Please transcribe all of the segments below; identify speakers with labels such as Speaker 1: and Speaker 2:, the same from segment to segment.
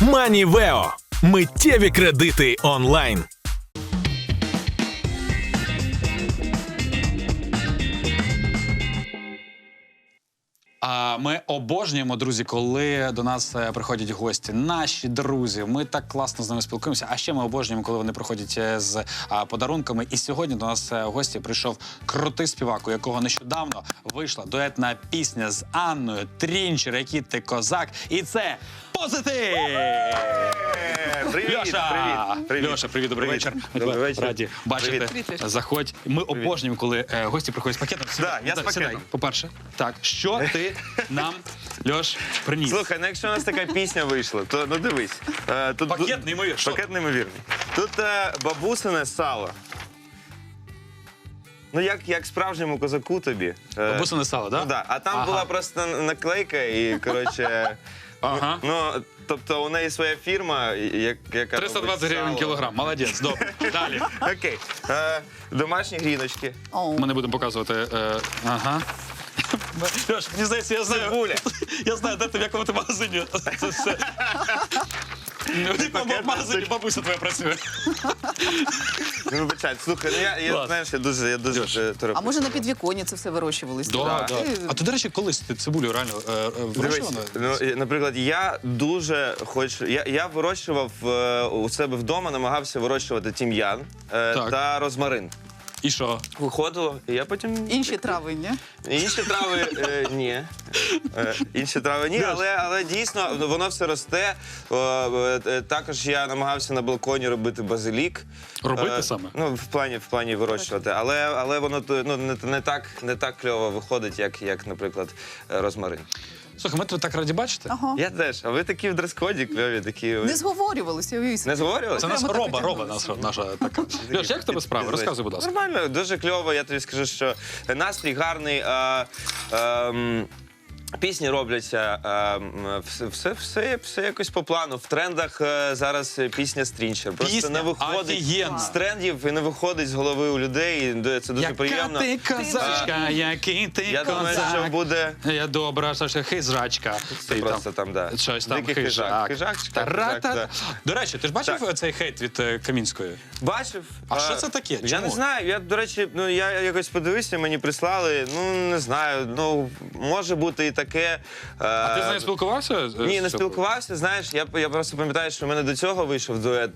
Speaker 1: Манівео. Миттєві кредити онлайн.
Speaker 2: Ми обожнюємо, друзі, коли до нас приходять гості, наші друзі. Ми так класно з ними спілкуємося. А ще ми обожнюємо, коли вони приходять з подарунками. І сьогодні до нас в гості прийшов крутий співак, у якого нещодавно вийшла дуетна пісня з Анною Трінчер, «Який ти козак». І це «Позитив».
Speaker 3: Привіт,
Speaker 2: Льоша!
Speaker 3: привіт.
Speaker 2: Льоша, привіт, добрий вечір. Ми
Speaker 3: Добрий
Speaker 2: тебе
Speaker 3: вечір.
Speaker 2: раді бачити.
Speaker 3: Привіт.
Speaker 2: Заходь. Ми обожнюємо, коли гості приходять з пакетом.
Speaker 3: Да, я з
Speaker 2: Сідай,
Speaker 3: пакетом.
Speaker 2: по-перше. Так, що ти нам, Льош, приніс?
Speaker 3: Слухай, ну якщо у нас така пісня вийшла, то ну дивись. Тут
Speaker 2: Пакет неймовірний. Що?
Speaker 3: Пакет неймовірний. Тут бабусине сало. Ну як справжньому козаку тобі.
Speaker 2: Бабусине сало, да?
Speaker 3: Ну, да. А там
Speaker 2: Ага.
Speaker 3: була просто наклейка і, коротше...
Speaker 2: Ага.
Speaker 3: Ну, тобто у неї своя фірма, яка...
Speaker 2: 320 гривень
Speaker 3: робить
Speaker 2: кілограм. Молодець, добре. Далі.
Speaker 3: сало. Окей. Домашні гріночки.
Speaker 2: Ми не будемо показувати. Ага. Льош, мені здається, я знаю.
Speaker 3: Цибуля.
Speaker 2: Я знаю, де ти, в якому ти магазині. Це все. В якому магазині бабуся твоя працює.
Speaker 3: Ну, вибачай, слухай, ну
Speaker 2: Клас.
Speaker 3: знаєш, я дуже
Speaker 4: А може на підвіконні це все вирощувалось?
Speaker 2: Да.
Speaker 4: Ти-
Speaker 2: А ти, до речі, колись ти цибулю реально
Speaker 3: Дивись,
Speaker 2: вирощувала?
Speaker 3: ну, наприклад, я дуже хочу. Я вирощував у себе вдома, намагався вирощувати тім'ян
Speaker 2: Так.
Speaker 3: та розмарин.
Speaker 2: І що?
Speaker 3: Виходило, і я потім.
Speaker 4: Інші трави, ні?
Speaker 3: Інші трави ні. Інші трави ні, але дійсно воно все росте. Також я намагався на балконі робити базилік.
Speaker 2: Робити саме?
Speaker 3: Ну, в плані вирощувати. Але воно ну, не так кльово виходить, як, наприклад, розмарин.
Speaker 2: Слухай, ми тебе так раді бачити.
Speaker 4: Ага.
Speaker 3: Я теж. А ви такі в дрес-коді кльові, такі.
Speaker 4: Не зговорювалися, уявіть.
Speaker 3: Не зговорювали?
Speaker 2: Це наша
Speaker 4: Прямо так
Speaker 2: роба
Speaker 4: потягнулися.
Speaker 2: наша така. Льош, як в тебе справи? Розказуй, будь ласка.
Speaker 3: Нормально, дуже кльово. Я тобі скажу, що настрій гарний. Пісні робляться, все якось по плану. В трендах зараз пісня «Стрінчер». Просто
Speaker 2: Пісня
Speaker 3: не виходить
Speaker 2: офігенна.
Speaker 3: з трендів і не виходить з голови у людей. І це дуже приємно.
Speaker 2: Яка ти козачка, який ти
Speaker 3: Я думаю, що
Speaker 2: козак.
Speaker 3: буде...
Speaker 2: Я добра, Саша, хижачка.
Speaker 3: Це просто там, да.
Speaker 2: Щось там
Speaker 3: Дикий хижак.
Speaker 2: хижак.
Speaker 3: Хижак, да.
Speaker 2: До речі, ти ж бачив
Speaker 3: Так.
Speaker 2: цей хейт від Камінської?
Speaker 3: Бачив.
Speaker 2: А що це таке?
Speaker 3: Я
Speaker 2: Чому?
Speaker 3: не знаю. Я, до речі, я якось подивився, мені прислали. Ну, не знаю. Ну, може бути і таке.
Speaker 2: А ти з нею спілкувався?
Speaker 3: Ні, не спілкувався. Знаєш, я просто пам'ятаю, що в мене до цього вийшов дует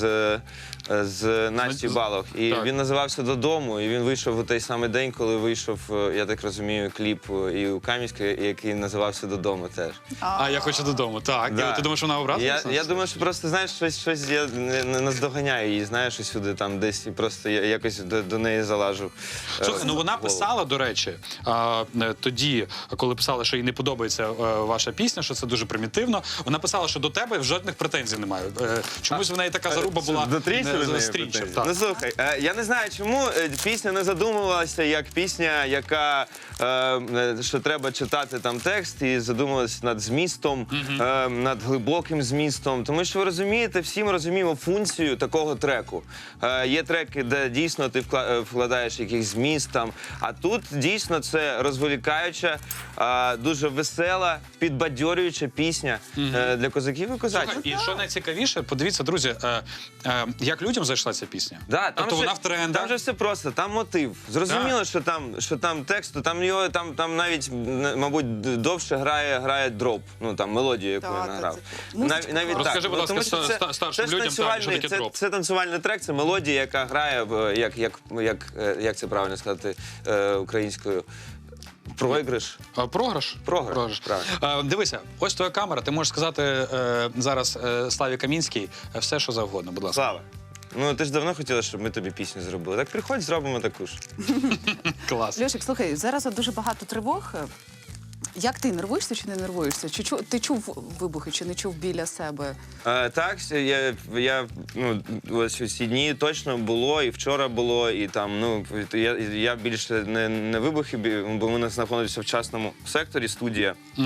Speaker 3: з Настю Балох. І
Speaker 2: Так.
Speaker 3: він називався «Додому». І він вийшов у той самий день, коли вийшов, я так розумію, кліп і у Кам'янської, який називався «Додому» теж.
Speaker 2: А я хочу додому. Так.
Speaker 3: Да.
Speaker 2: І ти думаєш, вона образилася?
Speaker 3: Я думаю, що просто, знаєш, щось я не наздоганяю її, знаєш, усюди там десь, і просто я якось до неї залажу.
Speaker 2: Слухай, ну вона
Speaker 3: в голову.
Speaker 2: писала, до речі, тоді, коли писала, що їй не подобається ваша пісня, що це дуже примітивно, вона писала, що до тебе жодних претензій немає. Чомусь в неї така заруба була
Speaker 3: До Трінчера в неї
Speaker 2: Стрінчер.
Speaker 3: претензії? Ну, слухай, я не знаю, чому пісня не задумувалася як пісня, яка, що треба читати там текст, і задумувалася над змістом, над глибоким змістом. Тому що ви розумієте, всі ми розуміємо функцію такого треку. Є треки, де дійсно ти вкладаєш якийсь зміст там, а тут дійсно це розволікаюча, дуже весела, підбадьорююча пісня для козаків і козачок.
Speaker 2: І що найцікавіше, подивіться, друзі, як людям зайшла ця пісня.
Speaker 3: Да,
Speaker 2: Тобто вона в трендах.
Speaker 3: Там же все просто, там мотив. Зрозуміло, що там тексту, там навіть, мабуть, довше грає дроп, ну там мелодію, яку
Speaker 4: Так,
Speaker 3: він награв.
Speaker 4: так, музичка.
Speaker 3: Навіть
Speaker 2: Розкажи,
Speaker 3: так.
Speaker 2: будь ласка,
Speaker 3: Тому що це
Speaker 2: старшим
Speaker 3: ж
Speaker 2: людям, що
Speaker 3: танцювальний,
Speaker 2: таке дроп.
Speaker 3: це танцювальний трек, це мелодія, яка грає, як це правильно сказати українською, проіграш.
Speaker 2: Програш?
Speaker 3: Програш, правильно.
Speaker 2: Дивися, ось твоя камера, ти можеш сказати зараз Славі Камінській все, що завгодно, будь ласка.
Speaker 3: Слава, ну ти ж давно хотіла, щоб ми тобі пісню зробили. Так приходь, зробимо таку ж.
Speaker 2: Клас.
Speaker 4: Льошик, слухай, зараз от дуже багато тривог. Як ти, нервуєшся чи не нервуєшся? Ти чув вибухи чи не чув біля себе?
Speaker 3: Так, ну, ось у ці дні точно було, і вчора було, і там, ну, я більше не вибухи, бо ми знаходимося в частному секторі, студія.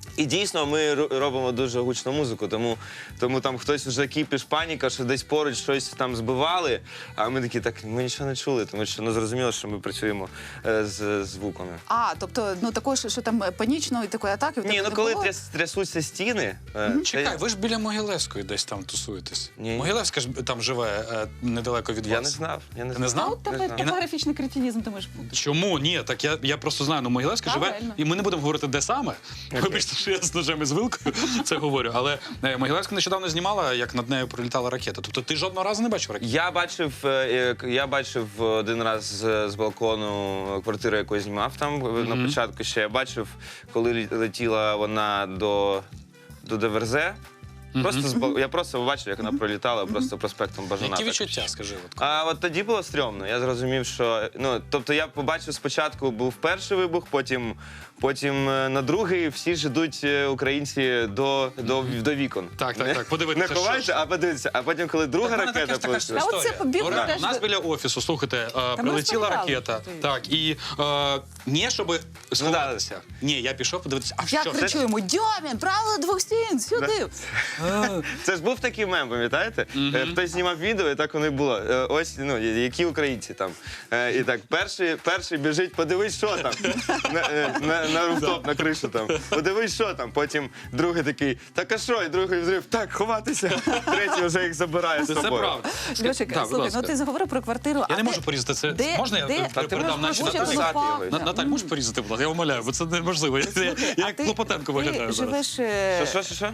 Speaker 3: І дійсно ми робимо дуже гучну музику, тому там хтось вже кіпіш, паніка, що десь поруч щось там збивали, а ми такі, так, ми нічого не чули, тому що зрозуміло, що ми працюємо з звуками.
Speaker 4: А, тобто, також, що там панічної такої атаки в тебе
Speaker 3: Ні,
Speaker 4: не
Speaker 3: коли
Speaker 4: було?
Speaker 3: трясуться стіни...
Speaker 2: Чекай, ви ж біля Могилевської десь там тусуєтесь.
Speaker 3: Ні.
Speaker 2: Могилевська ж там живе недалеко від вас.
Speaker 3: Я не знав.
Speaker 2: Ти не знав?
Speaker 4: Ну, у тебе
Speaker 3: Не знав.
Speaker 4: топографічний кретинізм, ти можеш бути.
Speaker 2: Чому? Ні, так я просто знаю, ну Могилевська живе,
Speaker 4: Правильно.
Speaker 2: і ми не будемо говорити, де саме. Вибачте, що я з ножем і з вилкою це говорю. Але Могилевська нещодавно знімала, як над нею пролітала ракета. Тобто ти жодного разу не бачив ракету?
Speaker 3: Я бачив один раз з балкону квартиру, яку я знімав там на початку ще. Я бачив, коли летіла вона до ДВРЗ. Я просто побачив, як вона пролітала просто проспектом Бажана.
Speaker 2: Які
Speaker 3: так.
Speaker 2: відчуття, скажи?
Speaker 3: А от тоді було стрьомно. Я зрозумів, що тобто я побачив спочатку був перший вибух, потім на другий всі ж ідуть українці до вікон.
Speaker 2: Так. Подивитися,
Speaker 3: Не ховаються, а подивитися. А потім, коли друга ракета полетіла.
Speaker 4: А оце побігли
Speaker 2: Історія.
Speaker 4: теж
Speaker 2: У нас
Speaker 4: до-
Speaker 2: біля офісу, слухайте,
Speaker 4: ми
Speaker 2: прилетіла
Speaker 4: розповідали,
Speaker 2: ракета.
Speaker 4: що ти-
Speaker 2: Так, і не щоб сховатися. Ні, я пішов подивитися. А
Speaker 4: Я
Speaker 2: що?
Speaker 4: кричу йому: Дьомін, правило двох стін, сюди!
Speaker 3: Це ж був такий мем, пам'ятаєте? Хтось знімав відео, і так воно і було. Ось, які українці там. І так, перший біжить, подивись, що там. На руфтоп, на кришу там. Подивись, що там. Потім другий такий, так а що? І другий взрив, так, ховатися. Третій вже їх забирає з
Speaker 2: Це
Speaker 3: собою.
Speaker 2: правда.
Speaker 4: Льошик,
Speaker 2: Так, будь
Speaker 4: слухай,
Speaker 2: ласка.
Speaker 4: ти заговорив про квартиру.
Speaker 2: Я не можу порізати це.
Speaker 4: де-
Speaker 2: Можна я
Speaker 4: де-
Speaker 3: Та ти
Speaker 2: передам
Speaker 3: можеш
Speaker 2: наші
Speaker 3: просто
Speaker 2: Наталі?
Speaker 3: записати його.
Speaker 2: Наталь, можеш порізати, будь ласка? Я умоляю, бо це неможливо. Я як Клопотенко виглядаю
Speaker 4: Ти
Speaker 2: зараз.
Speaker 4: живеш...
Speaker 3: Що?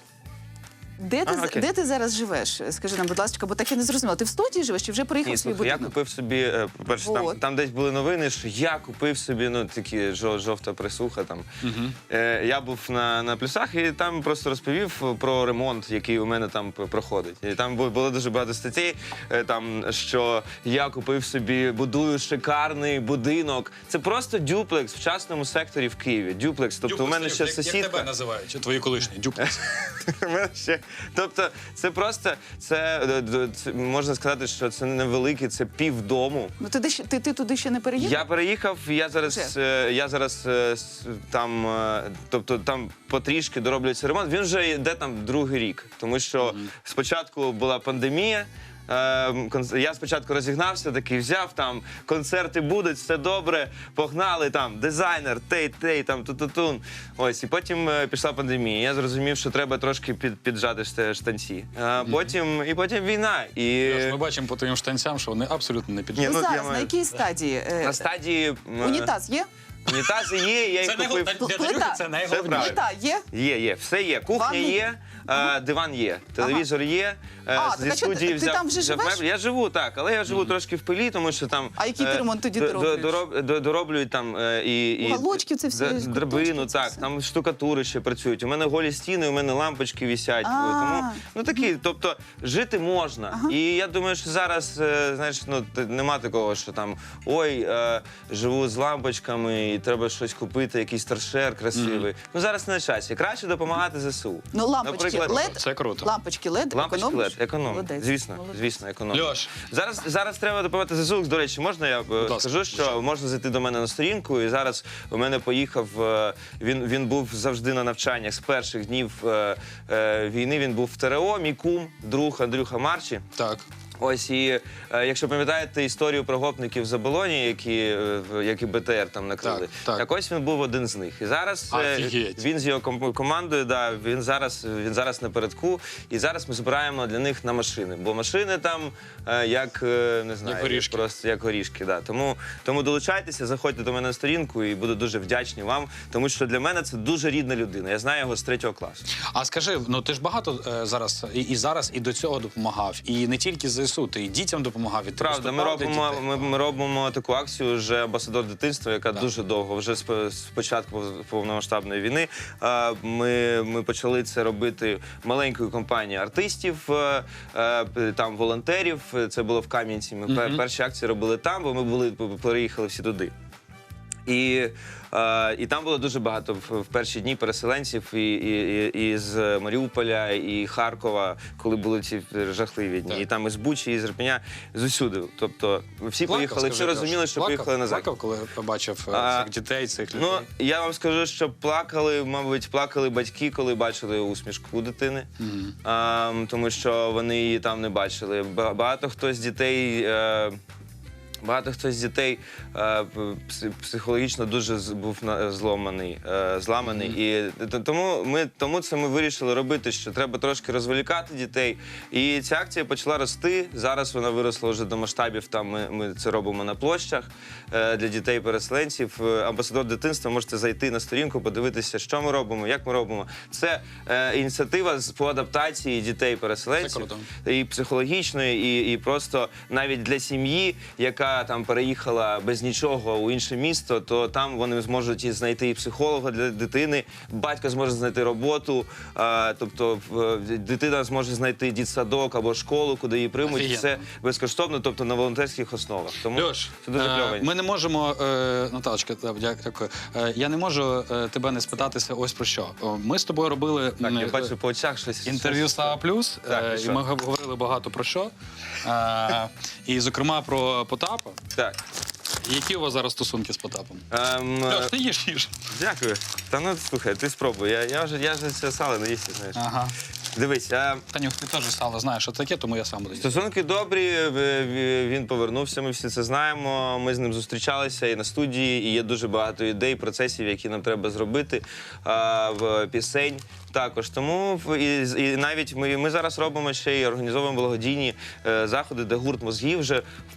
Speaker 4: Де ти зараз живеш? Скажи нам, будь ласка, бо так я не зрозуміла. Ти в студії живеш чи вже приїхав
Speaker 3: Ні,
Speaker 4: в свій
Speaker 3: слухай, я
Speaker 4: будинок?
Speaker 3: купив собі, по-перше,
Speaker 4: Вот.
Speaker 3: там десь були новини, що я купив собі, такі жовта присуха там. Я був на плюсах і там просто розповів про ремонт, який у мене там проходить. І там було дуже багато статей, там, що я купив собі, будую шикарний будинок. Це просто дюплекс в частному секторі в Києві. Дюплекс, тобто у мене ще
Speaker 2: Як тебе
Speaker 3: сусідка.
Speaker 2: називають? Твої колишні? Дюплекс.
Speaker 3: У мене ще, тобто, це просто, це можна сказати, що це невеликий, це півдому.
Speaker 4: Ну ти туди ще не переїхав?
Speaker 3: Я переїхав, я зараз там, тобто там потрішки дороблюється ремонт. Він вже йде там другий рік, тому що спочатку була пандемія. Я спочатку розігнався, такий взяв, там концерти будуть, все добре, погнали, там дизайнер, тей, там ту-ту-тун. Ось, і потім пішла пандемія. Я зрозумів, що треба трошки піджати штанці. Потім війна.
Speaker 2: Ми бачимо по твоїм штанцям, що вони абсолютно не піджили.
Speaker 4: Ну,
Speaker 3: я
Speaker 4: зараз,
Speaker 3: маю-
Speaker 4: на якій стадії?
Speaker 3: На стадії
Speaker 4: Унітаз є?
Speaker 3: унітази є, я їх
Speaker 2: Це
Speaker 3: купив.
Speaker 4: Плита.
Speaker 2: це найголовніше.
Speaker 4: Плита є?
Speaker 3: Є, все є. Кухня
Speaker 4: Ванни?
Speaker 3: є, диван є, телевізор є.
Speaker 4: так а що, ти там вже живеш?
Speaker 3: меблі. Я живу, так, але я живу трошки в пилі, тому що там...
Speaker 4: А який ти ремонт тоді дороблюєш?
Speaker 3: Дороблюють там і
Speaker 4: Уголочки це всі,
Speaker 3: драбину,
Speaker 4: куточки це
Speaker 3: так,
Speaker 4: все.
Speaker 3: там штукатури ще працюють. У мене голі стіни, у мене лампочки висять. Тому, такі, тобто, жити можна. І я думаю, що зараз, знаєш, нема такого, що там, живу з лампочками і треба щось купити, якийсь торшер красивий. Зараз не на часі. Краще допомагати ЗСУ.
Speaker 4: Ну, лампочки
Speaker 3: Наприклад,
Speaker 4: LED?
Speaker 2: Це круто.
Speaker 4: Лампочки LED,
Speaker 3: Лампочки
Speaker 4: економиш?
Speaker 3: LED, економить.
Speaker 4: Молодець,
Speaker 3: Звісно,
Speaker 4: молодець.
Speaker 3: звісно, економить.
Speaker 2: Льош.
Speaker 3: Зараз треба допомагати ЗСУ. До речі, можна я
Speaker 2: ласка,
Speaker 3: скажу, що можна зайти до мене на сторінку, і зараз у мене поїхав, він був завжди на навчаннях з перших днів війни, він був в ТРО, мій кум, друг Андрюха Марчі.
Speaker 2: Так.
Speaker 3: Ось, і якщо пам'ятаєте історію про гопників з Оболоні, які БТР там накрили,
Speaker 2: Так.
Speaker 3: ось він був один з них. І зараз
Speaker 2: Офігеть.
Speaker 3: він з його командою, він зараз напередку, і зараз ми збираємо для них на машини. Бо машини там як, не знаю,
Speaker 2: Як горішки.
Speaker 3: просто як горішки. Да. Тому долучайтеся, заходьте до мене на сторінку і буду дуже вдячний вам, тому що для мене це дуже рідна людина. Я знаю його з 3-го класу.
Speaker 2: А скажи, ти ж багато зараз і до цього допомагав, і не тільки ЗСУ, ти і дітям допомагав, і ти
Speaker 3: Правда,
Speaker 2: виступав для дітей.
Speaker 3: ми робимо таку акцію вже «Амбасадор дитинства», яка дуже довго, вже з початку повномасштабної війни. Ми почали це робити маленькою компанією артистів, там волонтерів. Це було в Кам'янці. Ми перші акції робили там, бо ми переїхали всі туди. І там було дуже багато в перші дні переселенців і з Маріуполя, і Харкова, коли були ці жахливі дні.
Speaker 2: Так.
Speaker 3: І там із Бучі, із Ірпеня, з усюди. Тобто всі поїхали, всі розуміли, що поїхали на захід.
Speaker 2: Плакав, коли побачив цих дітей, цих людей?
Speaker 3: Ну, я вам скажу, що плакали, мабуть, плакали батьки, коли бачили усмішку у дитини, тому що вони її там не бачили. Багато хто з дітей психологічно дуже був зламаний. І тому це ми вирішили робити, що треба трошки розволікати дітей. І ця акція почала рости. Зараз вона виросла вже до масштабів. Там ми це робимо на площах для дітей-переселенців. Амбасадор дитинства, можете зайти на сторінку, подивитися, що ми робимо, як ми робимо. Це ініціатива по адаптації дітей-переселенців. І психологічної, і просто навіть для сім'ї, яка там переїхала без нічого у інше місто, то там вони зможуть і знайти і психолога для дитини, батько зможе знайти роботу, тобто дитина зможе знайти дитсадок або школу, куди її приймуть.
Speaker 2: Офігенно.
Speaker 3: Все безкоштовно, тобто на волонтерських основах. Тому
Speaker 2: Льош,
Speaker 3: це дуже кльово.
Speaker 2: ми не можемо, Наталочка, дякую. Я не можу тебе не спитатися ось про що. Ми з тобою робили
Speaker 3: Так, я бачу по очах щось.
Speaker 2: інтерв'ю Сава Плюс,
Speaker 3: Так, і
Speaker 2: і
Speaker 3: що?
Speaker 2: ми говорили багато про що. І, зокрема, про Потапа.
Speaker 3: Так.
Speaker 2: Які у вас зараз стосунки з Потапом? Льош, ти їж.
Speaker 3: Дякую. Та ну, слухай, ти спробуй. Я вже це сало не їсти, знаєш.
Speaker 2: Ага.
Speaker 3: Дивись,
Speaker 2: Танюх, ти теж сало знаєш, що таке, тому я сам буду їсти.
Speaker 3: стосунки добрі, він повернувся, ми всі це знаємо. Ми з ним зустрічалися і на студії, і є дуже багато ідей, процесів, які нам треба зробити, в пісень також. Тому і навіть ми зараз робимо ще й організовуємо благодійні заходи, де гурт «Мозги» вже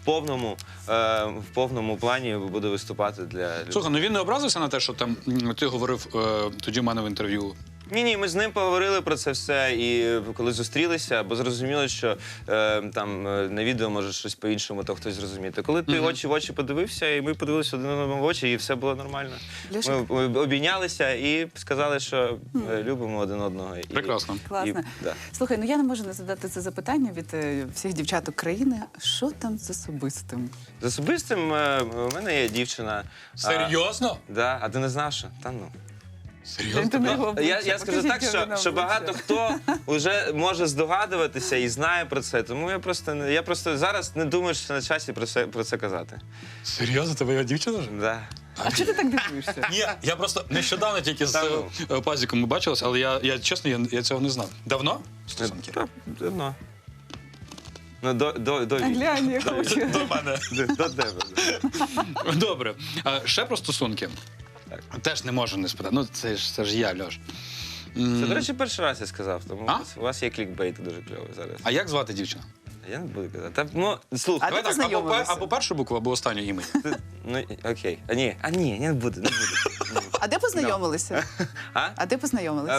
Speaker 3: в повному плані буде виступати для людей.
Speaker 2: Слухай, ну він не образився на те, що там ти говорив тоді в мене в інтерв'ю.
Speaker 3: Ні, ми з ним поговорили про це все, і коли зустрілися, бо зрозуміло, що там на відео може щось по-іншому, то хтось зрозуміти. Коли ти очі в очі подивився, і ми подивилися один одному в очі, і все було нормально.
Speaker 4: Льоша.
Speaker 3: Ми обійнялися і сказали, що любимо один одного.
Speaker 2: Прекрасно.
Speaker 4: Класно.
Speaker 3: Да.
Speaker 4: Слухай, ну я не можу не задати це запитання від всіх дівчаток країни. Що там з особистим?
Speaker 3: З особистим у мене є дівчина.
Speaker 2: Серйозно?
Speaker 3: Да, а ти не знав, що? Та ну.
Speaker 2: Серйозно?
Speaker 3: Я скажу так, що багато хто вже може здогадуватися і знає про це, тому я просто зараз не думаю, що на часі про це казати.
Speaker 2: Серйозно, тебе його дівчина вже?
Speaker 3: Да.
Speaker 4: А чого ти так дивуєшся?
Speaker 2: Ні, я просто нещодавно тільки з Пазіком ми бачилися, але я чесно, я цього не знав. Давно? Стосунки?
Speaker 3: Так, давно. Ну, до
Speaker 4: Глянь, я хочу.
Speaker 2: До мене.
Speaker 3: До тебе. Да.
Speaker 2: Добре. Ще про стосунки.
Speaker 3: Так.
Speaker 2: Теж не можу не спитати. Ну, це ж я, Льош.
Speaker 3: Це, до речі, перший раз я сказав, тому
Speaker 2: А?
Speaker 3: у вас є клікбейт дуже кльовий зараз.
Speaker 2: А як звати дівчину?
Speaker 3: Я не буду казати. Та, ну, слухай,
Speaker 4: А де
Speaker 2: Давай так,
Speaker 4: познайомилися?
Speaker 2: або першу букву, або останню ім'я.
Speaker 3: ну, окей. Ні, не буду.
Speaker 4: А де познайомилися?
Speaker 3: А?
Speaker 4: А де познайомилися?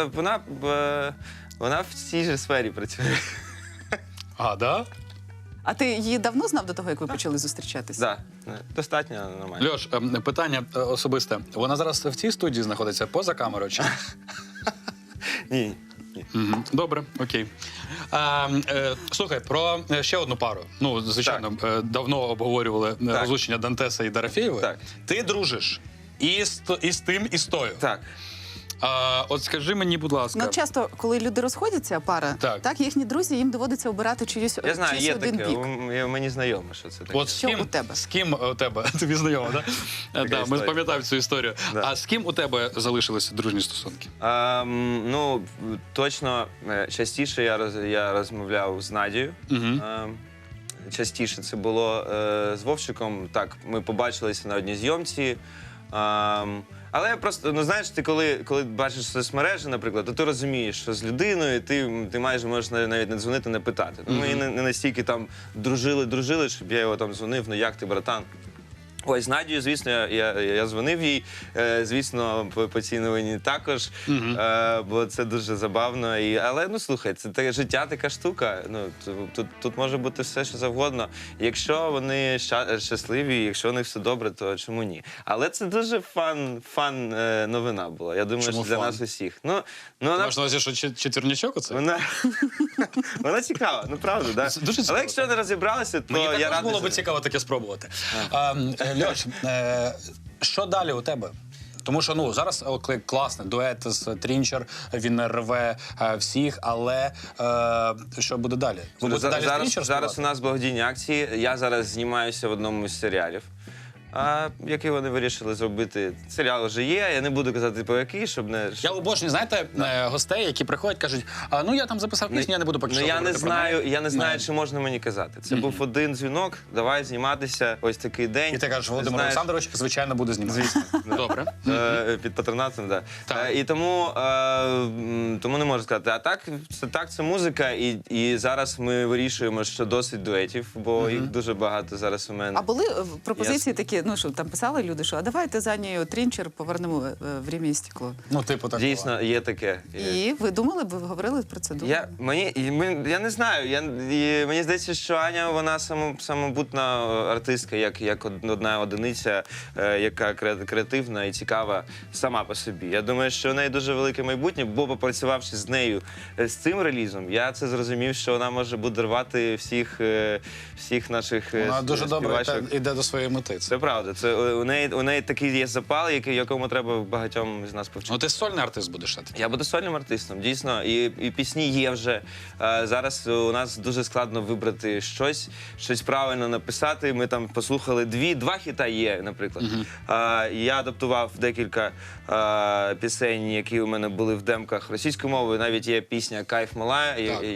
Speaker 3: Вона в цій же сфері працює.
Speaker 2: А, да?
Speaker 4: А ти її давно знав до того, як ви почали зустрічатися?
Speaker 3: Так, достатньо нормально.
Speaker 2: Льош, питання особисте. Вона зараз в цій студії знаходиться поза камерою чи?
Speaker 3: Ні.
Speaker 2: Мгм. Добре, окей. Слухай, про ще одну пару. Ну, звичайно, давно обговорювали розлучення Дантеса і Дарафєєвої.
Speaker 3: Так.
Speaker 2: Ти дружиш і з тим, і з тою.
Speaker 3: Так.
Speaker 2: От скажи мені, будь ласка.
Speaker 4: Ну, часто, коли люди розходяться, пара,
Speaker 2: Так.
Speaker 4: їхні друзі, їм доводиться обирати чиюсь
Speaker 3: Я знаю, є
Speaker 4: один
Speaker 3: таке.
Speaker 4: бік.
Speaker 3: Мені знайомо, що це таке.
Speaker 2: От з
Speaker 4: Що
Speaker 2: ким,
Speaker 4: у тебе?
Speaker 2: З ким у тебе? Тобі знайомо, так? Да, ми
Speaker 3: історія.
Speaker 2: пам'ятаємо цю історію.
Speaker 3: Да.
Speaker 2: А з ким у тебе залишилися дружні стосунки?
Speaker 3: Ну, точно, частіше я розмовляв з Надією. Частіше це було з Вовчиком. Так, ми побачилися на одній зйомці. Але я просто, ну знаєш, ти коли бачиш соцмережі, наприклад, то ти розумієш, що з людиною ти майже можеш навіть не дзвонити, не питати. Ми не настільки там дружили, щоб я його там дзвонив, ну як ти, братан? Ось, з Надією, звісно, я дзвонив їй, звісно, по цій новині також, бо це дуже забавно. Але, ну, слухай, це таке життя, така штука. Ну, тут може бути все, що завгодно. Якщо вони щасливі, якщо у них все добре, то чому ні? Але це дуже фан новина була. Я думаю,
Speaker 2: Чому
Speaker 3: що для
Speaker 2: фан?
Speaker 3: нас усіх.
Speaker 2: Ти маєш на увазі, що четвірнячок оце?
Speaker 3: Вона цікава, ну правда, да?
Speaker 2: Це дуже цікаво,
Speaker 3: Але якщо не розібралися, то
Speaker 2: Мені
Speaker 3: я
Speaker 2: також
Speaker 3: радий.
Speaker 2: було би цікаво таке спробувати. Льош, Що далі у тебе? Тому що ну зараз класний дует з Трінчер, він рве всіх, але що буде далі? Ви будете далі з Трінчер
Speaker 3: зараз у
Speaker 2: співати?
Speaker 3: нас благодійні акції. Я зараз знімаюся в одному з серіалів. Який вони вирішили зробити. Серіал вже є, я не буду казати по який, щоб не...
Speaker 2: Я обожнюю, знаєте, гостей, які приходять, кажуть, ну я там записав пісню, я не буду поки що
Speaker 3: я не
Speaker 2: говорити про
Speaker 3: знаю,
Speaker 2: неї.
Speaker 3: я не знаю, чи можна мені казати. Це був один дзвінок, давай зніматися, ось такий день.
Speaker 2: І ти кажеш, Володимир
Speaker 3: Знаєш,
Speaker 2: Олександрович, звичайно, буде знімати. Добре.
Speaker 3: під патронатом, да.
Speaker 2: Так.
Speaker 3: І тому не можу сказати. А так, це музика, і зараз ми вирішуємо, що досить дуетів, бо їх дуже багато зараз у мене.
Speaker 4: А були пропозиції такі, ну що там писали люди, що а давайте за нею Трінчер повернемо «Время і стекло».
Speaker 2: Ну, типу, так.
Speaker 3: Дійсно, є таке.
Speaker 4: І ви думали, ви говорили про це? Думали?
Speaker 3: Я не знаю. Мені здається, що Аня, вона самобутна артистка, як одна одиниця, яка креативна і цікава сама по собі. Я думаю, що у неї дуже велике майбутнє, бо попрацювавши з нею з цим релізом, я це зрозумів, що вона може буде рвати всіх наших
Speaker 2: Вона дуже добре
Speaker 3: співачок.
Speaker 2: йде до своєї мети.
Speaker 3: Це правда. Це у неї такий є запал, якому треба багатьом з нас повчити.
Speaker 2: Ну, ти сольний артист будеш шати.
Speaker 3: Я буду сольним артистом, дійсно, і пісні є вже. Зараз у нас дуже складно вибрати щось правильно написати. Ми там послухали два хіта є, наприклад. Я адаптував декілька пісень, які у мене були в демках російською мовою. Навіть є пісня «Кайф мала»,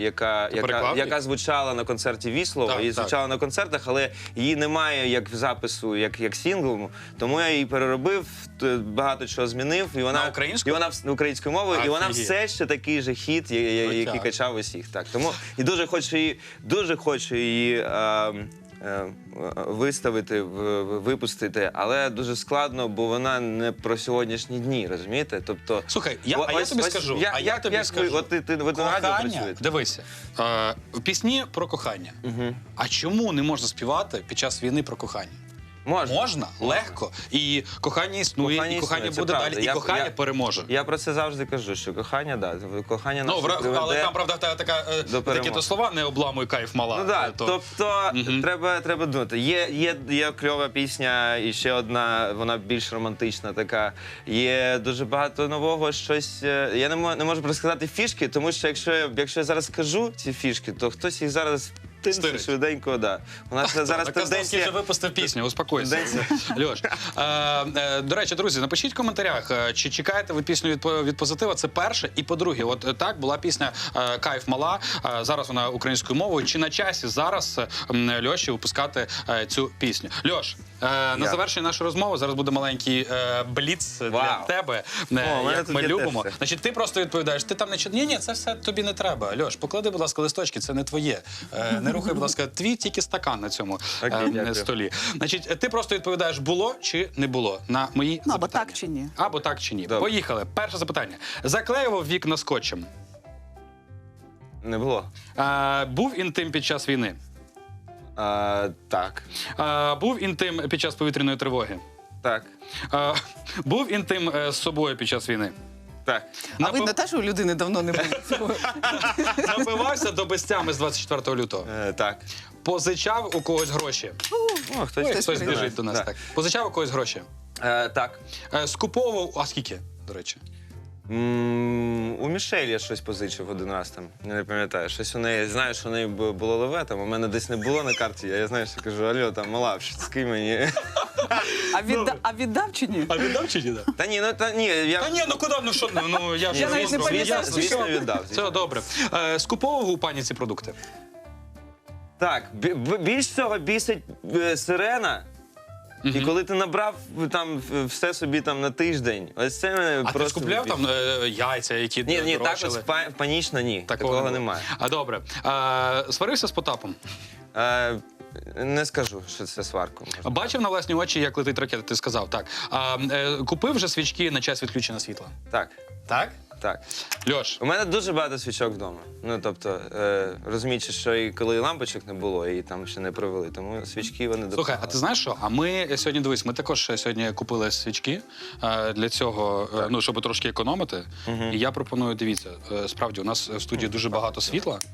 Speaker 3: яка звучала на концерті Віслова. І звучала на концертах, але її немає як в запису, як сінглу. Тому я її переробив, багато чого змінив. І вона українською мовою, і вона все ще такий же хіт, який качав усіх. Так, тому і дуже хочу її виставити, випустити, але дуже складно, бо вона не про сьогоднішні дні, розумієте? Тобто,
Speaker 2: слухай, я тобі скажу.
Speaker 3: Ви на радіо працюєте?
Speaker 2: Дивися, в пісні про кохання. А чому не можна співати під час війни про кохання? Можна, легко. І кохання існує, і кохання буде далі, і кохання переможе.
Speaker 3: Я про це завжди кажу, що кохання, так, кохання нас приведе.
Speaker 2: Але там, правда, такі то слова «не обламуй кайф мала».
Speaker 3: Ну так, тобто треба думати. Є кльова пісня, і ще одна, вона більш романтична така. Є дуже багато нового, щось. Я не можу розказати фішки, тому що якщо я зараз скажу ці фішки, то хтось їх зараз швиденько, да. У нас зараз
Speaker 2: Казовський вже випустив пісню, успокойся. Льош, до речі, друзі, напишіть в коментарях, чи чекаєте ви пісню від Позитива, це перше. І по-друге, от так, була пісня «Кайф мала», зараз вона українською мовою. Чи на часі зараз Льоші випускати цю пісню? Льош, на завершення нашої розмови зараз буде маленький бліц для тебе, як ми любимо. Значить, ти просто відповідаєш, ти там не читаєш, ні, це все тобі не треба. Льош, поклади, будь ласка, листочки, це не твоє. Не рухай, будь ласка, твій тільки стакан на цьому столі. Значить, ти просто відповідаєш, було чи не було на мої запитання.
Speaker 4: Або так чи ні.
Speaker 2: Або так чи ні. Поїхали. Перше запитання. Заклеював вікна скотчем?
Speaker 3: Не було.
Speaker 2: Був інтим під час війни?
Speaker 3: Так.
Speaker 2: Був інтим під час повітряної тривоги?
Speaker 3: Так.
Speaker 2: Був інтим з собою під час війни?
Speaker 3: Так.
Speaker 4: А видно, те, що у людини давно не було.
Speaker 2: Напивався до безтями з 24 лютого?
Speaker 3: Так.
Speaker 2: Позичав у когось гроші? Хтось біжить до нас. Так. Позичав у когось гроші?
Speaker 3: Так.
Speaker 2: Скуповував, а скільки, до речі?
Speaker 3: У Мішель я щось позичив один раз там, не пам'ятаю. Щось у неї, знаю, що у неї було леве, там у мене десь не було на карті, я знаю, що кажу, алло, там, мала, скинь мені.
Speaker 4: А віддав чи ні?
Speaker 2: А віддав чи ні?
Speaker 3: Та ні, я...
Speaker 2: Та ні, ну куди, ну що, ну я ж
Speaker 4: Я навіть не пам'ятаю,
Speaker 3: звісно, віддав.
Speaker 2: Все добре. Скуповував у пані ці продукти?
Speaker 3: Так, більш цього бісить сирена. І коли ти набрав там все собі там на тиждень, ось це мене просто...
Speaker 2: А ти скупляв там яйця, які
Speaker 3: Ні, так
Speaker 2: дрочили?
Speaker 3: ось панічно ні, такого немає.
Speaker 2: А добре. Сварився з Потапом?
Speaker 3: Не скажу, що це сварка.
Speaker 2: Бачив на власні очі, як летить ракета, ти сказав, так. Купив вже свічки на час відключення світла?
Speaker 3: Так.
Speaker 2: Так?
Speaker 3: Так.
Speaker 2: Льош.
Speaker 3: У мене дуже багато свічок вдома. Ну, тобто, розуміючи, що і коли лампочок не було, і там ще не провели, тому свічки вони допомагали.
Speaker 2: Слухай, а ти знаєш що? А ми сьогодні, дивись, ми також сьогодні купили свічки для цього, ну, щоб трошки економити. І я пропоную, дивіться, справді, у нас в студії дуже багато світла.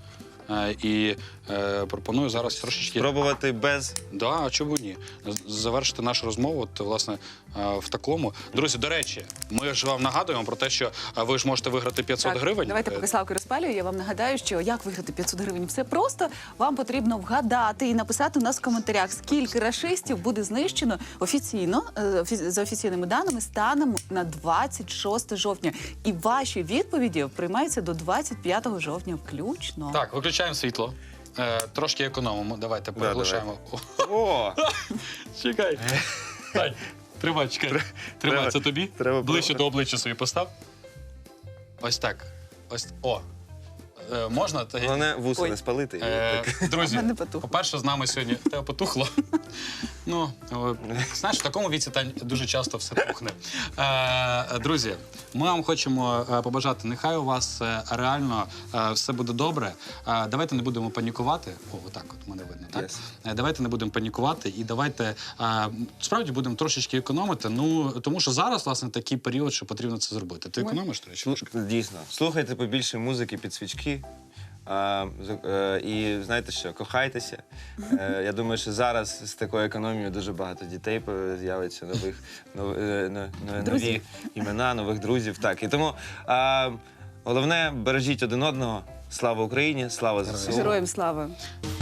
Speaker 2: І пропоную зараз трошечки...
Speaker 3: Спробувати без.
Speaker 2: Да, а чому ні? Завершити нашу розмову, от, власне, в такому. Друзі, до речі, ми ж вам нагадуємо про те, що ви ж можете виграти 500 гривень.
Speaker 4: Давайте, поки Славко розпалює, я вам нагадаю, що як виграти 500 гривень. Все просто. Вам потрібно вгадати і написати у нас в коментарях, скільки рашистів буде знищено офіційно, за офіційними даними, станом на 26 жовтня. І ваші відповіді приймаються до 25 жовтня включно.
Speaker 2: Так, виключаємо світло. Трошки економимо. Давайте приглушаємо.
Speaker 3: О!
Speaker 2: Чекай. Тань, тримай, чекай. Тримай, це тобі.
Speaker 3: Треба
Speaker 2: Ближче до обличчя собі постав. Ось так. Ось. О. Можна?
Speaker 3: Головне вуса
Speaker 4: Ой.
Speaker 3: не спалити.
Speaker 2: Друзі,
Speaker 4: Мене потухло.
Speaker 2: по-перше, з нами сьогодні тебе потухло. Ну, знаєш, в такому віці, Тань, дуже часто все тухне. Друзі, ми вам хочемо побажати, нехай у вас реально все буде добре. Давайте не будемо панікувати. О, отак от мене видно, так?
Speaker 3: Yes.
Speaker 2: Давайте не будемо панікувати і давайте справді будемо трошечки економити. Ну, тому що зараз, власне, такий період, що потрібно це зробити. Ти економиш, до речі?
Speaker 3: Дійсно. Слухайте побільше музики під свічки. І знаєте що, кохайтеся. Я думаю, що зараз з такою економією дуже багато дітей з'явиться, нові
Speaker 4: Друзів.
Speaker 3: імена, нових друзів. Так. І тому головне, бережіть один одного. Слава Україні, слава ЗСУ.
Speaker 4: Героям слава!